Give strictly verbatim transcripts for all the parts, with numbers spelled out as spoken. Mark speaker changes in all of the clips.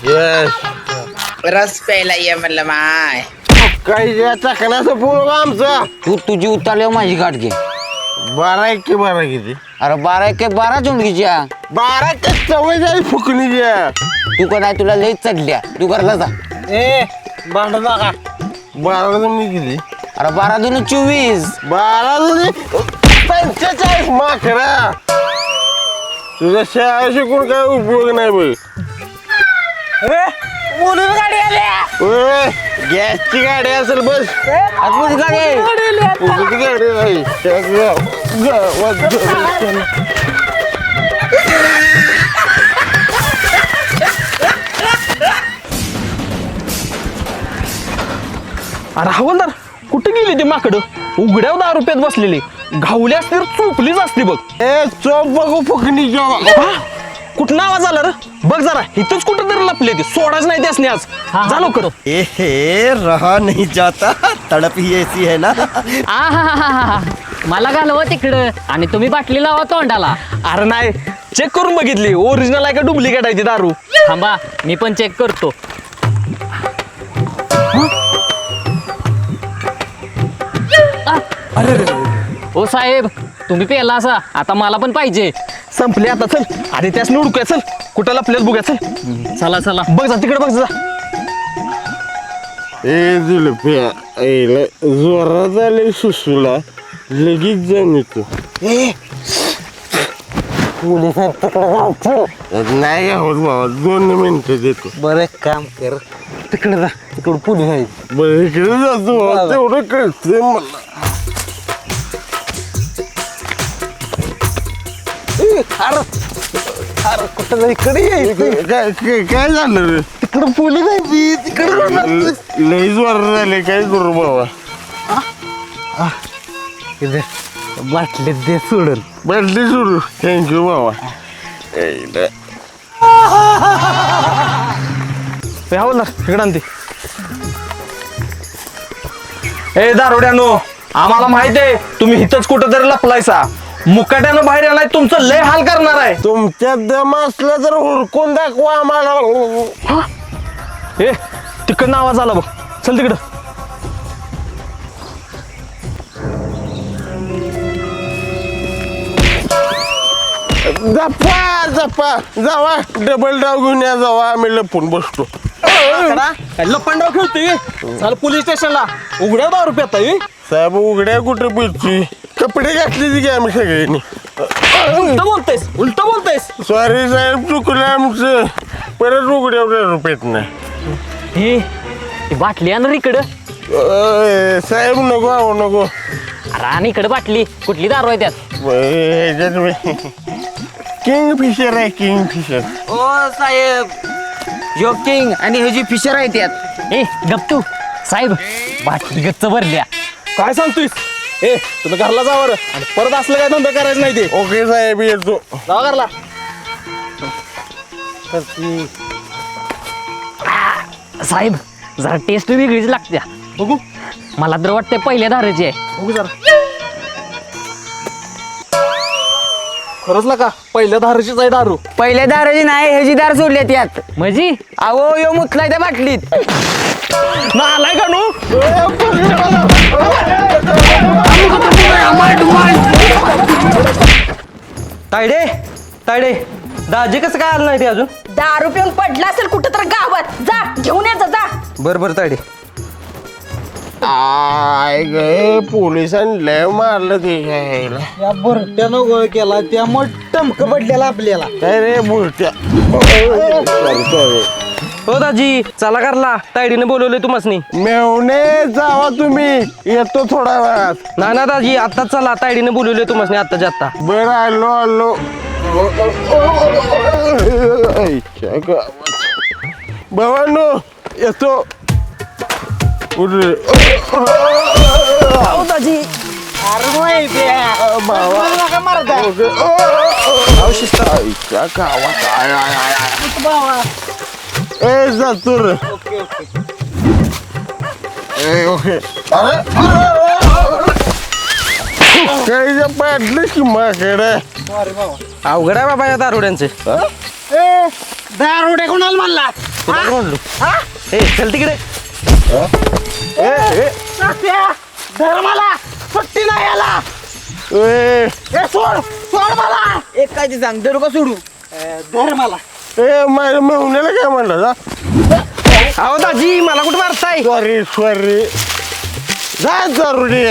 Speaker 1: रस प्यायला ये म्हणलं माय.
Speaker 2: काही चाकण्याचं पोळ आमचा.
Speaker 3: तू तुझी उतारल्यावर माझी गाठ घे.
Speaker 2: बारा एक बारा किती?
Speaker 3: अरे बारा एक बारा चोंडकीच्या.
Speaker 2: बारा ते सवय झाली फुकणीच्या.
Speaker 3: तू का नाही तुला लई चढल्या. तू घरला जा.
Speaker 2: ए भांड नका. बारा जणी किती?
Speaker 3: अरे बारा दोन चोवीस.
Speaker 2: बारा जणी पंचेचाळीस माखरा. तुझ्या शाळा शिकून काय उपयोग नाही बघ.
Speaker 1: बोलून गाडी आल्या.
Speaker 2: गॅसची गाडी असेल बस.
Speaker 3: आतमध्ये गाडी आहे.
Speaker 2: उगाच गाडी नाही. त्या गाव- गावात जाऊन.
Speaker 4: अरे हवलदार कुठे गेली ती माकडं? उघड्यावर दहा रुपयात बसलेली. घावली असती तर चोपलीच असती बघ.
Speaker 2: ए चोप बघू फुकणीच्या.
Speaker 4: कुठं आवाज आला रे? बघ जरा इथंच कुठं तरी लपले ती. सोडाच नाही त्यासनी आज. जा लवकर.
Speaker 5: ए रहा नहीं जाता, तड़प ही ऐसी है ना.
Speaker 6: आहाहाहा. मला घालवा तिकडं आणि तुम्ही बाटली लावा तोंडाला.
Speaker 4: अरे नाही चेक करून बघितली ओरिजिनल आहे का डुप्लिकेट आहे ती दारू.
Speaker 6: थांबा मी पण चेक करतो. ओ साहेब तुम्ही पेला असा आता मला पण पाहिजे.
Speaker 4: संपली आता चल. अरे त्यासनी उडकूया चल. कुठं लपल्यात बघूया चल.
Speaker 6: चला चला
Speaker 4: बघ जा तिकडे बघ जा.
Speaker 2: ए जुलप्या आईला जोरात आले सुसूला लगेच जाऊन येतो. नाही आहोत बाबा दोन मिनिटं देतो.
Speaker 3: बरं काम कर. तिकडे जा. तिकडे पोलीस आहे.
Speaker 2: बरं इकडे जातो बाबा, तेवढं कळतंय मला.
Speaker 3: अरे कुठं इकडे
Speaker 2: काय काय- काय झालं रे?
Speaker 3: तिकडे पोलीस आहे. तिकडे
Speaker 2: लई जोरात झाले काय करू बाबा.
Speaker 3: बाटलीत दे सोडून.
Speaker 2: बदली सुरू. थँक्यू बाबा. आईला.
Speaker 4: हवलदार इकडे आणते. ए दारोड्यानो आम्हाला माहित आहे तुम्ही इथंच कुठं तरी लपलायसा. मुकाट्यानं बाहेर आलाय तुमचं लय हाल करणार आहे.
Speaker 2: तुमच्यात दम असला तर हुडकून दाखवा आम्हाला.
Speaker 4: ए तिकडनं आवाज आला बघ. चल तिकडं.
Speaker 2: जपा जपा जावा डबल डाव घेऊन या जावा आम्ही लपून बसतो.
Speaker 4: लपंडाव खेळतोय. चाल पोलीस स्टेशनला. उघड्या दहा रुपयात आहे.
Speaker 2: साहेब उघड्या कुठे पिची कपडे घातले की आम्ही सगळ्यांनी.
Speaker 4: उलट बोलतेस उलट बोलतेस.
Speaker 2: सॉरी साहेब चुकलं आमचं. परत उघड्या रुपयात नाही.
Speaker 6: हे ती बाटली आण रे इकडं.
Speaker 2: अय, साहेब नको आहो नको.
Speaker 6: अरे आणि इकडं बाटली कुठली दारू आहे त्यात?
Speaker 2: ह्याच्यात किंग फिशर आहे किंग फिशर.
Speaker 3: ओ साहेब जोकिंग आणि हे जी फिशर आहे त्यात.
Speaker 6: ए गप्तू साहेब बाटली गच्च भरल्या.
Speaker 4: काय सांगतोयस? ए तुम्ही घरला जावर आणि परत असलं काय धंदा करायचं नाही ते.
Speaker 2: ओके साहेब येतो.
Speaker 4: जावा घरला.
Speaker 6: साहेब जरा टेस्ट वेगळीच लागते.
Speaker 4: बघू
Speaker 6: मला तर वाटते पहिल्या धारेची आहे.
Speaker 4: बघू जरा. खरंच ना का पहिल्या धाराचीच आहे दारू.
Speaker 3: पहिल्या दाराची नाही ह्याची दार सोडल्या त्यात.
Speaker 6: म्हणजे
Speaker 3: अहो यो मुतलाय त्या बाटलीत.
Speaker 4: ना आलाय का नू?
Speaker 7: तायडे तायडे दाजी कसं काय आलं नाही ते अजून?
Speaker 8: दारू पिऊन पडला असेल कुठं तर गावात. जा घेऊन यायचं जा.
Speaker 7: बरं बरं तायडे.
Speaker 2: आय गे पोलिसांनी लय मारलं ते घ्यायला.
Speaker 5: या बुरट्यानं गोळ केला त्यामुळे टमक पडलेला आपल्याला.
Speaker 2: काय रे बुरट्या. Sorry sorry.
Speaker 7: हो दाजी चला करला तायडीने बोलवले तुम्हासनी.
Speaker 2: मेवणे जावा तुम्ही येतो थोडा वेळात.
Speaker 7: ना ना दाजी आत्ताच चला तायडीने बोलवले तुम्हासनी आत्ताच्या आत्ता.
Speaker 2: बरं आलो आलो. आईच्या गावात. भावांनो येतो. उरे.
Speaker 7: दाजी
Speaker 2: आईच्या गावात आय आय आय. ए जातो रे. ए ओके. अरे काही पाडलं की माकडे.
Speaker 7: अवघड आहे बाबा या दारुड्यांचे.
Speaker 5: दारुडे कोणाला म्हणला?
Speaker 7: तुला म्हणलो ए चल तिकडे
Speaker 2: धर मला सुट्टी नाही याला ए सोड सोड मला
Speaker 3: एक काय ते सांग धरू का सोडू
Speaker 2: धर मला ए माझ्या मेहुण्याला काय म्हणलं
Speaker 7: अहो दाजी मला कुठं मारताय
Speaker 2: सॉरी सॉरी जा जरुरी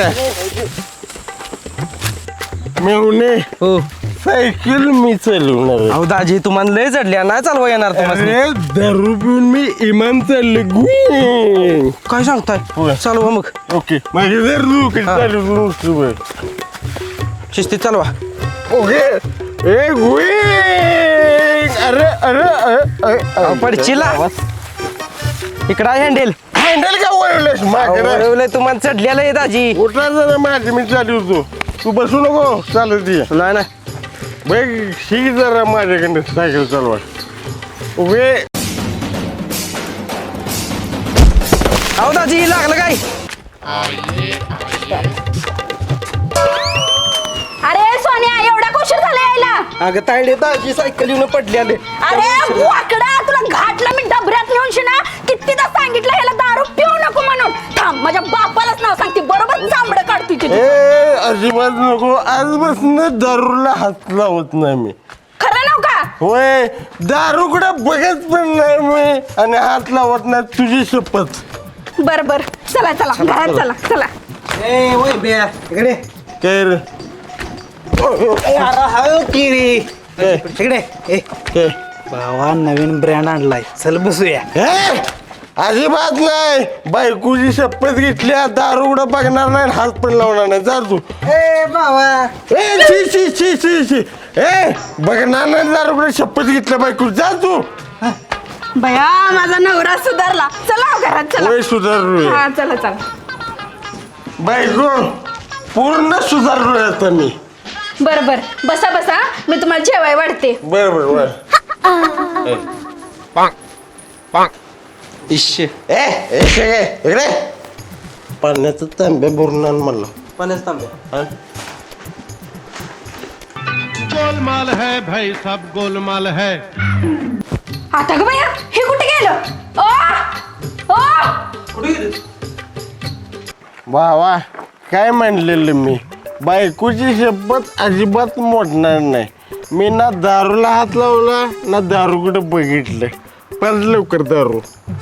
Speaker 2: मेहुणे
Speaker 7: हो
Speaker 2: सायकल मी चालवणार आहे.
Speaker 7: अहो दाजी तुम्हाला लय चढल्या नाही चालवा येणार तुम्हाला
Speaker 2: अरे दारू पिऊन मी इमान चालले गुई
Speaker 7: काय
Speaker 2: होय.
Speaker 7: सांगताय चालवा मग
Speaker 2: ओके माझे जर कशी चालू
Speaker 7: शिस्तीत चालवा
Speaker 2: ओके ए गुई अरे अरे अरे
Speaker 7: अहो, पडचिला इकडं हँडेल
Speaker 2: हँडल का वळवलंस माझ्याकडे
Speaker 7: तुम्हाला चढलेलं आहे दाजी
Speaker 2: उठला जरा माझी मी चालवतो तू बसू नको चालत ये
Speaker 7: नाही ना
Speaker 2: बघ शिक जरा माझ्याकडे सायकल चालवा उभे
Speaker 7: अहो दाजी लागलं काय
Speaker 8: अरे सोन्या एवढा उशीर झाला यायला
Speaker 7: अगं तायडे दाजी सायकल येऊन पडलेले
Speaker 8: अरे वाकडा तुला घाटला मी डबऱ्यात नेऊन शिना कितीदा सांगितलं ह्याला दारू पिऊ नको म्हणून थांब माझ्या बापालाच नाव सांगते बरोबर चांबडं काढते तुझी
Speaker 2: ए अजिबात नको आजपासून दारूला हात लावत नाही मी
Speaker 8: खरं नाव का
Speaker 2: होय दारूकडे बघत पण नाही मी आणि हात लावत नाही तुझी शपथ
Speaker 8: बर बर चला चला घरात चला चला
Speaker 3: ए वय बे इकडे
Speaker 2: काय रे
Speaker 3: तिकडे ए
Speaker 2: काय
Speaker 3: भावा नवीन ब्रँड आणलाय चल बसूया
Speaker 2: ए, अजिबात नाही बायकोची शपथ घेतल्या दारूकडे बघणार नाही हात पण लावणार नाही जा तू
Speaker 3: ए भावा
Speaker 2: ए शी शी शी शी शी ए बघणार नाही दारूकडे शपथ घेतल्या बायको जा तू
Speaker 8: बया माझा नवरा सुधारला चला घरात चला
Speaker 2: वय सुधारलोय
Speaker 8: हा चला चला
Speaker 2: बायको पूर्ण सुधारलोय आता मी
Speaker 8: बर बर बसा बसा मी तुम्हाला जेवाय वाढते
Speaker 2: बर बर बर
Speaker 7: इश
Speaker 2: ए ए शेगे, इकडे पाण्याचं तांब्या भरून आण मला
Speaker 7: पाण्याच तांब्या
Speaker 2: हा?
Speaker 9: गोलमाल है भाई सब गोलमाल है
Speaker 8: आता ग बया हे कुठे गेलं ओ ओ
Speaker 2: वा वा काय म्हणलेलं मी बायकोची शपथ अजिबात मोडणार नाही मी ना दारूला हात लावला ना दारूकडे बघितलं पण लवकर दारू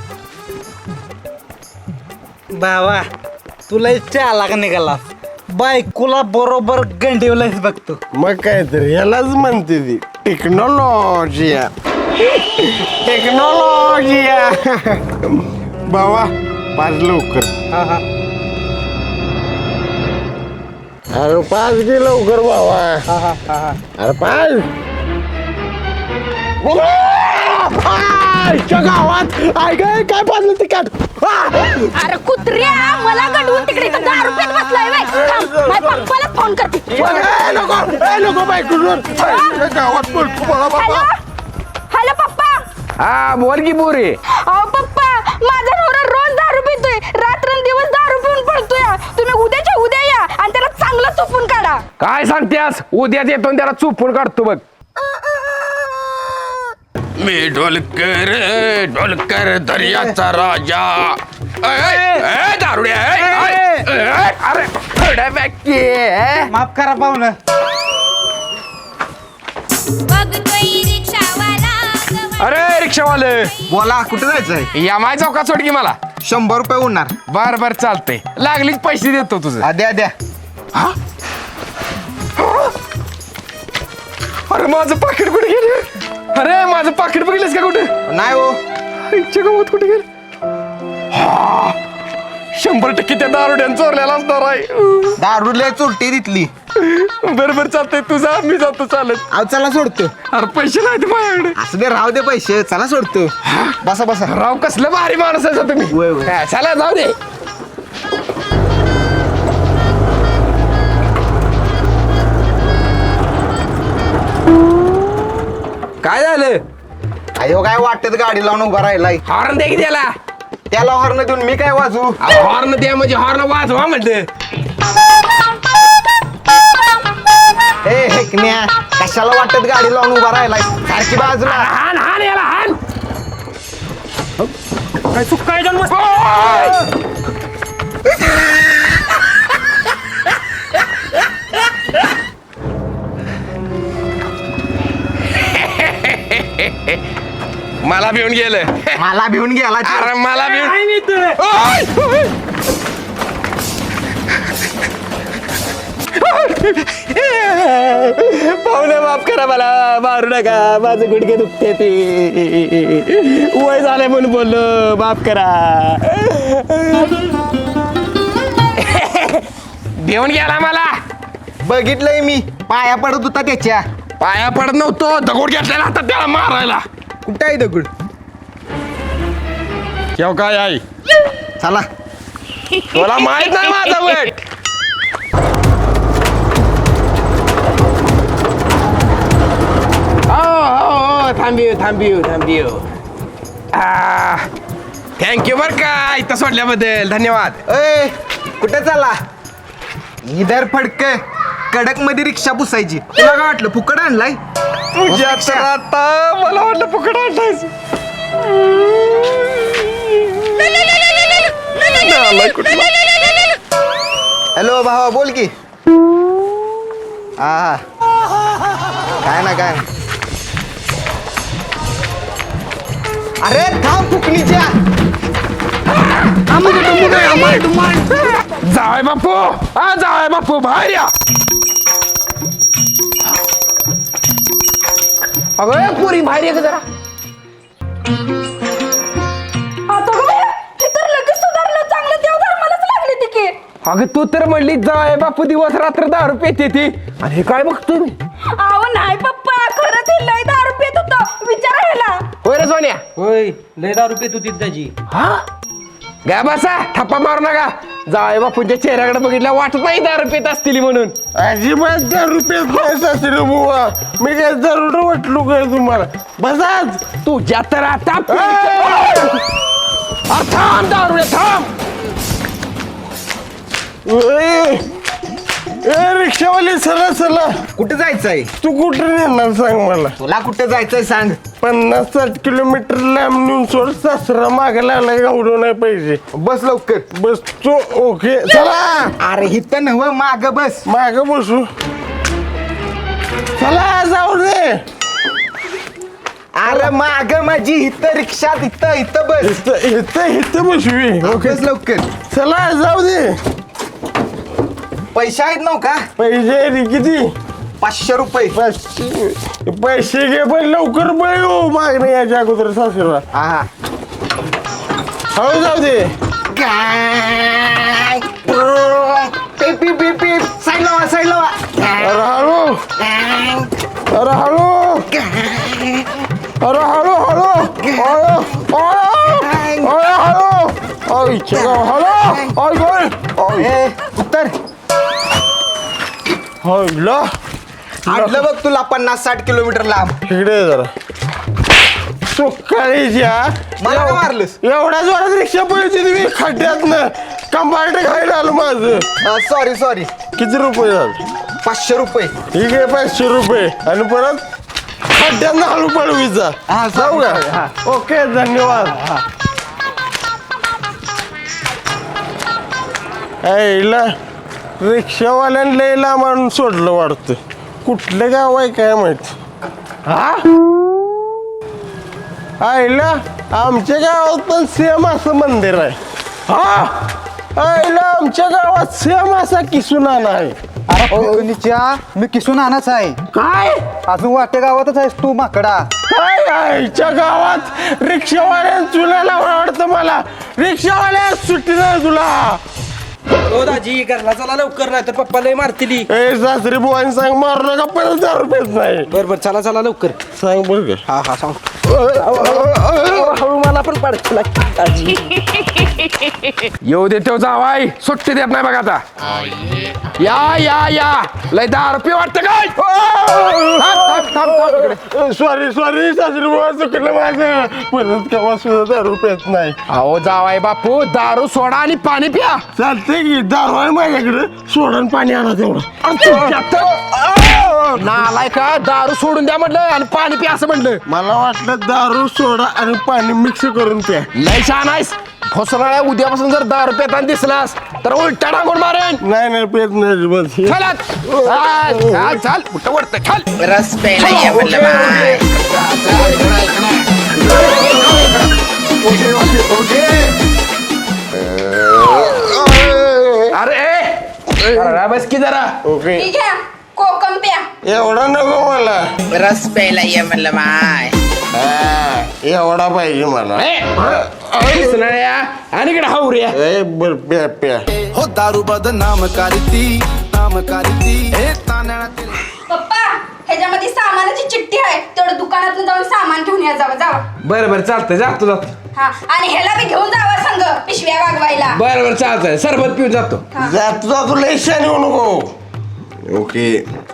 Speaker 3: भावा तुला चाला निघाला बायकोला बरोबर गंडीवलाच बघतो
Speaker 2: मग काय तर यालाच म्हणते ती टेक्नॉलॉजी टेक्नॉलॉजी बाबा पाच लवकर
Speaker 3: हा हा
Speaker 2: अरे पाच गे लवकर बाबा
Speaker 3: हा हा हा हा
Speaker 2: अरे पाच आईच्या गावात आय काय काय पाजलं तिकट
Speaker 8: अरे कुत्र्या मला गडवून तिकडे इथं दारू पेत बसलाय बाई थांब, माझ्या पप्पाला फोन करते
Speaker 2: नको नको बायको गावात बोलतो मला
Speaker 8: हॅलो
Speaker 2: बाबा
Speaker 8: हॅलो पप्पा
Speaker 4: हा बोल की बोरे
Speaker 8: अहो पप्पा माझा नवरा रोज दारू पितोय रात्रंदिवस दारू पिऊन पडतोय तुम्ही उद्याच्या उद्या या आणि त्याला चांगलं चुपून काढा
Speaker 4: काय सांगतेस उद्याच येतो आणि त्याला चुपून काढतो बघ
Speaker 10: मी ढोलकर ढोलकर दर्याचा राजा ए, ए, ए, दारुड्या ए, ए, ए, ए,
Speaker 4: अरे थोड्या बॅकी
Speaker 3: माफ करा पाहुणं
Speaker 4: अरे रिक्षावाले
Speaker 3: बोला कुठे जायचंय
Speaker 4: या माय चौकात सोड की मला
Speaker 3: शंभर रुपये होणार
Speaker 4: बर बर चालतंय लागलीच पैसे देतो तुझं
Speaker 3: द्या द्या
Speaker 4: अरे माझं पाकिट कुठे गेले अरे माझं पाकिट बघितलंस का कुठे
Speaker 3: नाही हो
Speaker 4: आईच्या गावात कुठे गेलं हा, शंभर टक्के त्या दारुड्यानं चोरलेला असणार आहे
Speaker 3: दारूला चोरटी तिथली
Speaker 4: बरं बरं चालतंय तू जा मी जातो चालत
Speaker 3: अहो चला सोडतो
Speaker 4: अरे पैसे नाही ते माझ्याकडे
Speaker 3: असं दे राहू दे पैसे चला सोडतो बसा बसा
Speaker 4: राव कसलं भारी माणूस आहे तुम्ही
Speaker 3: वय, वय.
Speaker 4: हा, चला जाऊ दे
Speaker 3: काय झालं अयो काय वाटत गाडी लावून उभा राहिलाय
Speaker 4: हॉर्न दे की त्याला
Speaker 3: त्याला हॉर्न देऊन मी काय वाजू
Speaker 4: हॉर्न द्या म्हणजे हॉर्न वाजवा म्हणलं
Speaker 3: ए हेकण्या कशाला वाटत गाडी लावून उभा राहिलाय सारखी बाजूला
Speaker 4: हान हान याला हान
Speaker 7: काय सुकाय जाऊन मस्त
Speaker 10: मला भिवून गेलं
Speaker 3: मला भिवून गेला
Speaker 10: अरे मला भिवून
Speaker 7: काय नाही तर
Speaker 10: ओय! ओय!
Speaker 3: पाहुणे माफ करा मला मारू नका माझं गुडघे दुखते ते वय झालंय म्हणून बोललो माफ करा
Speaker 10: भिवून गेला मला
Speaker 3: बघितलंय मी पाया पडत होता त्याच्या
Speaker 10: पाया पडत नव्हतो दगड घेतलेला आता त्याला मारायला
Speaker 3: कुठं आहे दगड
Speaker 10: केव काय आई
Speaker 3: चला
Speaker 10: तुला माहित नाही माझा वेट हो हो हो थांबिव थांबिव थांबिव थँक्यू बर का इथं सोडल्याबद्दल धन्यवाद
Speaker 3: ए कुठे चालला इधर फडक कडक मध्ये रिक्षा पुसायची तुला काय वाटलं फुकट आणलाय
Speaker 10: तुझ्या तर आता मला वाटलं फुकट आणलायस
Speaker 3: हॅलो भावा बोल की हा काय ना काय अरे थांब फुकणीच्या
Speaker 10: जाय बापू हा जाय बापू बाहेर या अगं पुरी बाहेर ये जरा
Speaker 8: आता काय हे तर लगेच सुधारलं चांगलं देव धर्मालाच लागले ती की
Speaker 10: अगं तू तर म्हणली जाय बापू दिवस रात्र दारू पेते ती आणि हे काय बघतोय मी
Speaker 8: अहो नाही पप्पा खरंच हे लय दारू पित होतं विचारा ह्याला
Speaker 10: होय रे सोन्या
Speaker 7: होय लय दारू पित होती त्याची
Speaker 10: हा गा बसा थप्पा मारू नका जाय बापूंच्या चेहऱ्याकडे बघितल्या वाटत नाही दारू पेत असतील म्हणून
Speaker 2: अजिबात दारू पेत नाही सासरे बुवा मी काय दारू वाटलो काय तुम्हाला बसाच
Speaker 10: तुझ्या तर आता आ, थांब दारू थांब
Speaker 2: ए ए, रिक्षावाली चला चला
Speaker 3: कुठे जायचंय
Speaker 2: तू कुठे नेणार सांग मला
Speaker 3: तुला कुठे जायचंय सांग
Speaker 2: पन्नास साठ किलोमीटर लांब नेऊन सोड सासरा मागे लागला एवढं नाही पाहिजे
Speaker 3: बस लवकर
Speaker 2: बस तू ओके चला
Speaker 3: अरे इथं नव माग बस
Speaker 2: माग बसू चला जाऊ दे
Speaker 3: अरे माग माझी इथं रिक्षा इथं इथं बस
Speaker 2: इथं इथं इथं बसवी ओके
Speaker 3: बस लवकर
Speaker 2: चला जाऊ दे
Speaker 3: पैसे आहेत नव का
Speaker 2: पैसे रे किती
Speaker 3: पाचशे रुपये
Speaker 2: पैसे पैसे घे पण लवकर बळ हो मागणे याच्या अगोदर सासरा
Speaker 3: हा हा
Speaker 2: हळू जाऊ दे
Speaker 3: पीप पीप पीप पीप साईड लावा साईड लावा
Speaker 2: अरे हळू अरे हळू अरे हळू हळू हळू अरे हळू आईच्या गाव हळू आय गय
Speaker 3: ए उत्तर
Speaker 2: हळू
Speaker 3: आणलं बघ तुला पन्नास साठ किलोमीटर लांब
Speaker 2: इकडे ये जरा सुकाळीच्या
Speaker 3: मला का मारलंस
Speaker 2: एवढ्या जोरात रिक्षा पळते तुम्ही खड्ड्यात ना कंपार्ट खायला आलं माझं
Speaker 3: सॉरी सॉरी
Speaker 2: किती रुपये झाले
Speaker 3: पाचशे रुपये
Speaker 2: ठीक आहे पाचशे रुपये आणि परत खड्ड्यांना हळू पळवीचा
Speaker 3: हा,
Speaker 2: जाऊ
Speaker 3: sorry,
Speaker 2: का ओके धन्यवाद ऐला रिक्षावाल्यानं लय लांब आणून सोडलं वाटतं कुठलं गाव आहे काय माहिती हा आईला आमच्या गावात पण सेम असं मंदिर आहे हा आईला आमच्या गावात सेम असा किसुनाना आहे
Speaker 5: अरे मी किसून आणाच आहे
Speaker 2: काय
Speaker 5: अजून वाटे गावातच आहेस तू माकडा
Speaker 2: काय आईच्या गावात रिक्षावाल्या चुलाला आवडतं मला रिक्षावाल्या सुट्टी नाही तुला
Speaker 7: हो दाजी घरला चला लवकर नाही तर पप्पा लय मारतील
Speaker 2: ए सासरी बुवानी सांग मारू नका परत दारू पेत नाही
Speaker 7: बर बर चला चला लवकर
Speaker 2: सांग बरं का
Speaker 7: हा हा सांग हळू मला पण पाडतो दाजी
Speaker 10: येऊ दे तो जावाय सुट्टी देत नाही बघा आता या या या लय दारू पी वाटतं काय थांब, थांब, थांब, थांब इकडे.
Speaker 2: सॉरी सॉरी सासरी बुवा चुकलं माझं परत केव्हा सुद्धा दारू पेत नाही
Speaker 10: अहो जावाय बापू दारू सोडा आणि पाणी प्या
Speaker 2: चालतंय की दारू आहे माझ्याकडे सोडून पाणी आणा तेवढं
Speaker 10: नालाय का दारू सोडून द्या म्हटलं आणि पाणी प्या असं म्हटलं.
Speaker 2: मला वाटलं दारू सोडा आणि पाणी मिक्स करून प्या.
Speaker 10: लय छान आहेस. फसराळ्या उद्यापासून जर दारू पेताना दिसलास तर उलटा टांगून मारेन.
Speaker 2: नाही नाही पेत नाही बस.
Speaker 10: चल चाल चाल कुठं वरतं चल.
Speaker 1: रस प्यायला ये म्हणलं माय.
Speaker 10: अरे अरे बस की जरा.
Speaker 2: ओके
Speaker 8: ठीक आहे कोकम प्या.
Speaker 2: एवढा नको मला.
Speaker 1: रस प्यायला ये म्हणलं माय.
Speaker 2: हा, एवढा पाहिजे मला.
Speaker 10: फसराळ्या आणि इकडे हावऱ्या.
Speaker 2: ए, बर प्या प्या.
Speaker 5: हो दारू बदनाम करती नाम करती हे तांदळातील
Speaker 8: पप्पा ह्याच्यामध्ये सामानाची चिठ्ठी आहे तेवढं दुकानातून जाऊन सामान घेऊन या जावं जावा.
Speaker 3: बरं बरं चालतंय जातो जातो.
Speaker 8: हा आणि ह्याला बी घेऊन जावा संग पिशव्या वागवायला.
Speaker 3: बरं बरं चालतंय सरबत पिऊन जातो.
Speaker 2: जातो जातो लय शान येऊ नको. ओके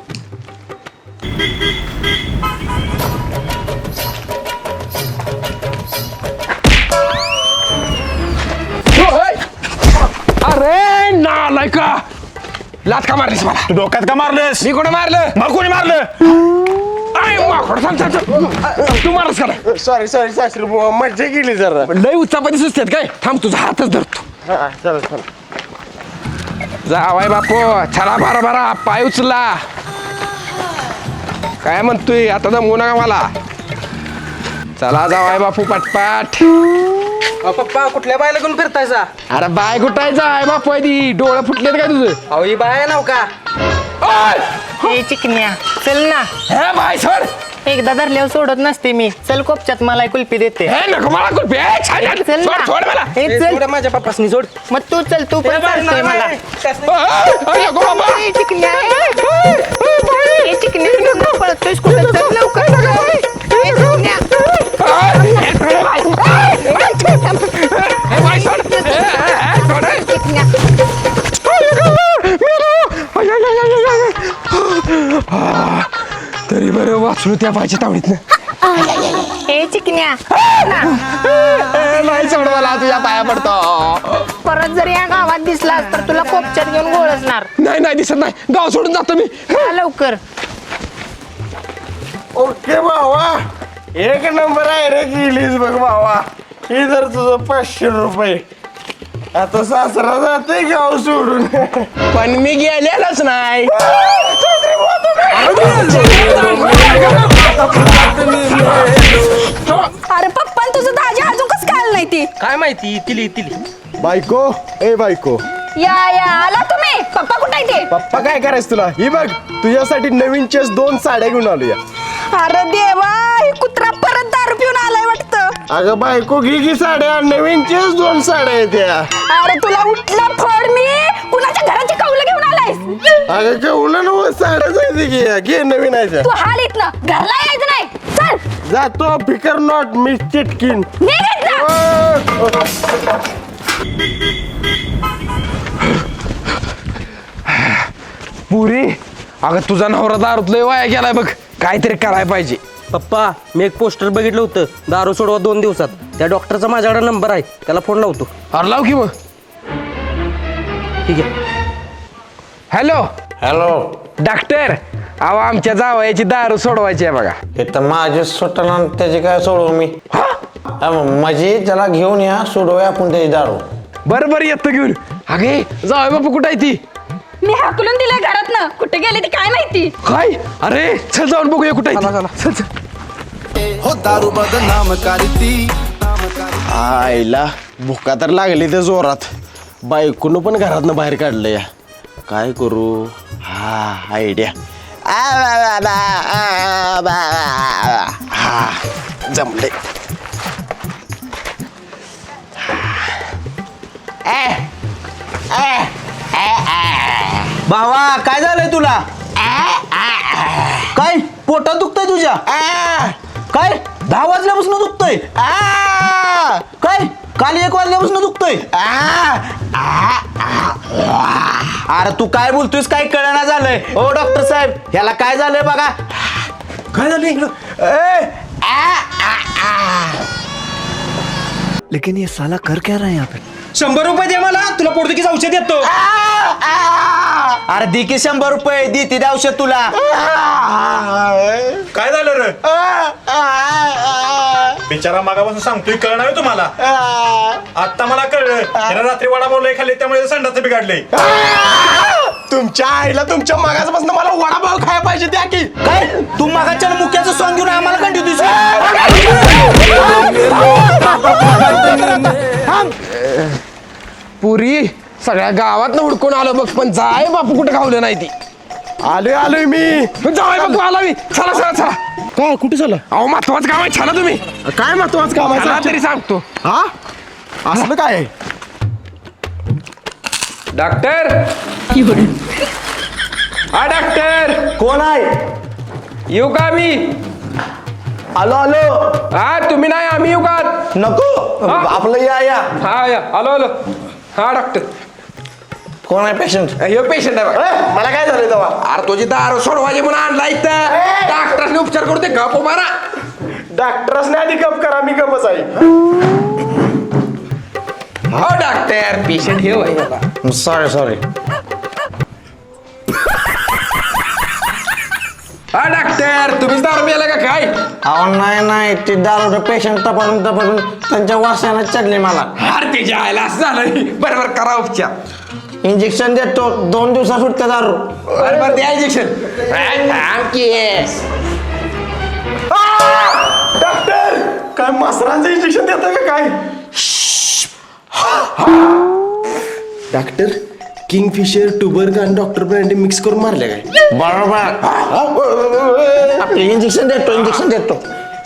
Speaker 10: अरे नालाय का लात का मारलीस मला.
Speaker 3: तू डोक्यात का मारलंस?
Speaker 10: मी कुठं मारलं.
Speaker 3: मग कोणी मारलं?
Speaker 10: अरे माकड सांग सांग सांग. तू मारस का
Speaker 2: सॉरी सॉरी सासरी बुवा मज्जा केली जरा.
Speaker 10: लय उच्चापती सुचतात काय. थांब तुझा हातच धरतो.
Speaker 2: हा चला चला.
Speaker 10: जावाय बापू चला बारा बारा पाय उचला. काय म्हणतोय आता दमवू नका मला. चला जावाय बापू पाटपाट.
Speaker 7: पप्पा कुठल्या बायला घेऊन फिरतायचा?
Speaker 10: अरे बाय कुठाय जाय बापू आहे ती. डोळं फुटलेत काय तुझं.
Speaker 7: अहो ही बाय नाव का?
Speaker 10: ओय!
Speaker 6: चिकन्या चल ना.
Speaker 10: हे बाय सोड.
Speaker 6: एकदा धरल्यावर सोडत नसते मी. चल कोपच्यात मला कुल्फी देते.
Speaker 10: हे नको मला कुठे
Speaker 6: चल
Speaker 10: सोड
Speaker 6: ना.
Speaker 10: सोड मला.
Speaker 6: ए, चल.
Speaker 7: सोड माझ्या पप्पासनी सोड.
Speaker 6: मग तू चल तू पण चालतोय मला.
Speaker 10: अरे नको बाबा.
Speaker 6: ए, चिकन्या ए, चिकन्या नको पळतोयस कुठं. चल लवकर. ए, चिकन्या.
Speaker 10: हे बाय सोड. हे, हे, सोड.
Speaker 6: चिकन्या.
Speaker 10: तरी बरं वाचलो त्या बायच्या तावडीतनं.
Speaker 6: ए चिकन्या
Speaker 10: नाही सोड मला तुझ्या पाया पडतो.
Speaker 6: परत जर या गावात दिसलास तर तुला कोपच्यात घेऊन गोळसणार.
Speaker 10: नाही नाही दिसत नाही. गाव सोडून जातो मी.
Speaker 6: जा लवकर.
Speaker 2: ओके भावा एक नंबर आहे रे गेलीस बघ भावा. हे जर तुझं पाचशे रुपये. आता सासरा जाते गाव सोडून.
Speaker 10: पण मी गेलेलोच नाही.
Speaker 8: अरे पप्पा तुझं दाजी अजून कसं काय आलं नाही ती.
Speaker 7: काय माहिती तिली तिली.
Speaker 2: बायको ए बायको
Speaker 8: या या आला तुम्ही. पप्पा कुठे आहे ते?
Speaker 2: पप्पा काय करायचं तुला. ही बघ तुझ्यासाठी नवीन चेस दोन साड्या घेऊन आलो या.
Speaker 8: अरे देवा ही कुत्रा परत दारू पिऊन आलाय वाटतं.
Speaker 2: अगं बायको घे की साड्या. नवीन चेस दोन साड्या आहेत त्या.
Speaker 8: अरे तुला उठला फोड मी. कुणाच्या घराची कौलं घेऊन आलायस?
Speaker 2: अगं केवढं नव साड्या जायचे घे घे नवीन आहे त्या.
Speaker 8: तू हाल इथनं घरला यायचं नाही. चल
Speaker 2: जातो फिकर नॉट मी चिटकीन.
Speaker 8: निघ इथनं.
Speaker 10: पुरी अगं तुझा नवरा दारूत लय वाया गेलाय बघ. काहीतरी करायला पाहिजे.
Speaker 7: पप्पा मी एक पोस्टर बघितलं होतं दारू सोडवा दोन दिवसात. त्या डॉक्टरचा माझ्याकडे नंबर आहे त्याला फोन लावतो.
Speaker 10: अरे लाव की मग.
Speaker 7: ठीक आहे.
Speaker 10: हॅलो
Speaker 11: हॅलो
Speaker 10: डॉक्टर अहो आमच्या जावयाची दारू सोडवायची आहे बघा.
Speaker 11: हे तर माझे सुटना त्याची काय सोडवू मी. म्हणजे त्याला घेऊन या सोडवूया आपण त्याची दारू.
Speaker 10: बरं बरं येतो घेऊन. अगे जावय बापू कुठं आहे ती.
Speaker 8: मी हाकलून दिलंय घरातनं. कुठे गेले ती काय माहिती.
Speaker 10: काय अरे चल जाऊन बघूया कुठं आहे ती. चल चल.
Speaker 5: हो दारू बदनाम करती
Speaker 2: आईला भुका तर लागली ते जोरात. बायकोनं पण घरातनं बाहेर काढलं या. काय करू. हा आयडिया. हा जमले.
Speaker 11: भावा काय झालंय तुला. काय पोटात दुखतंय तुझ्या. काय दहा वाजल्यापासून दुखतंय. काय काल एक वाजल्यापासून दुखतंय. अरे तू काय बोलतोयस काय कळना झालंय. ओ डॉक्टर साहेब ह्याला काय झालंय बघा. काय झालं लेकिन ये साला कर क्या रहा है यहाँ पे?
Speaker 7: शंभर रुपये दे मला, तुला पोर्तुगीज औषध देतो.
Speaker 11: अरे दी की शंभर रुपये दी ती औषध तुला.
Speaker 4: काय झालं रे बिचारा मागापासून सांगतोय कळणार तुम्हाला आता मला कळलं त्यानं रात्री वडा बोललोय खाल्ले त्यामुळे संडाचं बिघडले.
Speaker 3: तुमच्या आईला तुमच्या मागासपासून मला वडापाव खायला पाहिजे त्या की
Speaker 11: काय तू मागाच्या मुक्याचं सॉंग घेऊन आम्हाला कंटिन्यू
Speaker 10: पुरी सगळ्या गावात हुडकून आलो बघ पण जाय बापू कुठे खावलं नाही ती.
Speaker 3: आलोय आलोय मी.
Speaker 10: जाय बापू आला मी. चला चला चला.
Speaker 3: काय कुठे झालं?
Speaker 10: अहो महत्वाचं काम आहे. चला तुम्ही.
Speaker 3: काय महत्वाचं काम
Speaker 10: चला
Speaker 3: आहे
Speaker 10: तरी सांगतो.
Speaker 3: हा असलं काय आहे?
Speaker 10: डॉक्टर हा डॉक्टर
Speaker 11: कोण आहे?
Speaker 10: येऊ का मी?
Speaker 11: आलो आलो.
Speaker 10: हा तुम्ही नाही आम्ही येऊ का?
Speaker 11: नको
Speaker 10: हा?
Speaker 11: आपलं या या.
Speaker 10: हा या आलो आलो. हा डॉक्टर
Speaker 11: कोण आहे पेशंट?
Speaker 10: हे पेशंट आहे बघा.
Speaker 3: मला काय झालं तेव्हा?
Speaker 10: अरे तुझी दारू सोडवायची म्हणून आणला इथं डॉक्टरने उपचार करू ते गप मारा.
Speaker 3: डॉक्टरसने आधी गप करा मी गपच आहे.
Speaker 10: हो डॉक्टर पेशंट हे होय बाबा.
Speaker 11: Sorry sorry.
Speaker 10: हा डॉक्टर तुम्हीच दारू प्यायला का काय?
Speaker 11: अहो नाही नाही ते दारू पेशंट तपासून तपासून त्यांच्या वासानं चढले मला.
Speaker 10: अरे ते जायला असं झालं. बरोबर करा उपचार.
Speaker 11: इंजेक्शन देतो दोन दिवसात सुटते दारू.
Speaker 10: बरोबर द्या इंजेक्शन.
Speaker 3: डॉक्टर काय मसरांचं इंजेक्शन देतं का काय? डॉक्टर किंगफिशर टुबर्ग आणि डॉक्टर ब्रँडी मिक्स करून मारले काय?
Speaker 11: बरोबर. आपले इंजेक्शन देतो इंजेक्शन देतो.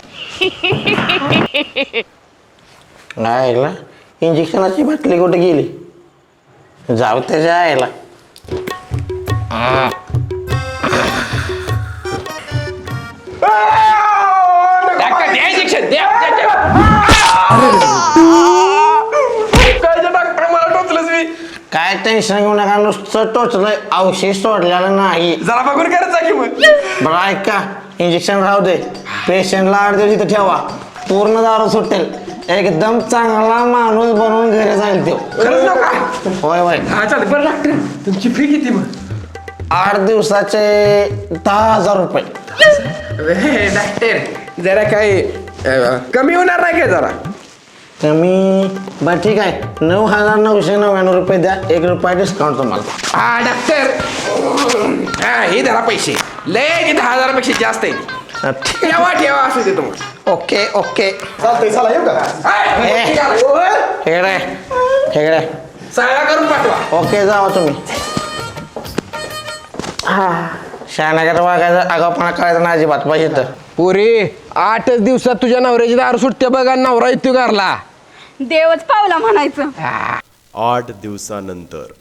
Speaker 11: नाही इंजेक्शनाची बाटली कुठे गेली? जाऊ त्याच्या आईला.
Speaker 10: डॉक्टर द्या इंजेक्शन द्या. काय डॉक्टर मला टोचलंच मी.
Speaker 11: काय टेन्शन घेऊ नका नुसतं टोचलंय औषध सोडलेलं नाही.
Speaker 10: जरा बघून करायचा की मग.
Speaker 11: बरं ऐका इंजेक्शन राहू दे पेशंटला आठ दिवस इथं ठेवा पूर्ण दारू सुटेल एकदम चांगला माणूस बनवून घरी जाईल तो.
Speaker 10: खरंच नका.
Speaker 11: होय होय.
Speaker 10: हा चालेल. बरं डॉक्टर तुमची फी किती मग?
Speaker 11: आठ दिवसाचे दहा हजार रुपये.
Speaker 10: डॉक्टर जरा काय अं, कमी होणार नाही काय जरा?
Speaker 11: कमी बरं ठीक आहे नऊ हजार नऊशे नव्याण्णव रुपये द्या एक रुपया डिस्काउंट तुम्हाला.
Speaker 10: हा डॉक्टर हा हे धरा पैसे लय दहा हजारापेक्षा जास्त आहे. ठेवा ठेवा असं देतो मग.
Speaker 11: ओके ओके
Speaker 3: चालतंय चला येऊ का?
Speaker 11: हेकडे हेकडे
Speaker 10: सगळा करून पाठवा.
Speaker 11: ओके जावा तुम्ही. शहानगर वागायचं आगाऊपणा करायचं ना अजिबात पाहिजे तर.
Speaker 10: पुरी आठच दिवसात तुझ्या नवऱ्याची दारू सुटते बघा नवरा येतो घरला.
Speaker 8: देवच पावला म्हणायचं.
Speaker 9: आठ दिवसानंतर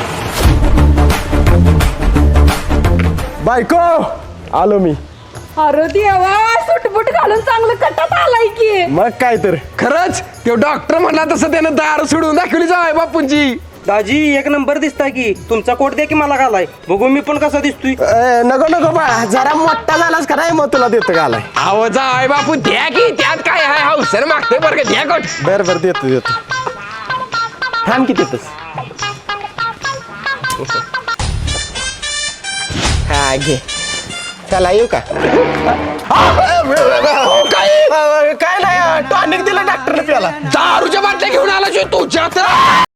Speaker 3: बायको आलो मी.
Speaker 8: अरे देवा सुटबुट घालून चांगलं कटात आलाय की.
Speaker 3: मग काय तर
Speaker 10: खरंच तो डॉक्टर म्हणला तसं त्यानं दारू सोडून दाखवली जाय बापूंची.
Speaker 7: दाजी एक नंबर दिसताय की. तुमचा कोट द्या की मला घालाय बघू मी पण कसा दिसतोय.
Speaker 3: ए, नको नको बाळा जरा मोठा झालास का नाही मग तुला देतो घालाय.
Speaker 10: अहो जाय बापू द्या की त्यात काय आहे हौसर मागते बरं का द्या कोट.
Speaker 3: बर बर देतो देतो. थांब किती तस. हा घे. चला येऊ का? काय काय नाही टॉनिक दिलं डॉक्टरने प्याला.
Speaker 10: दारूच्या बाटल्या घेऊन आला तुझ्या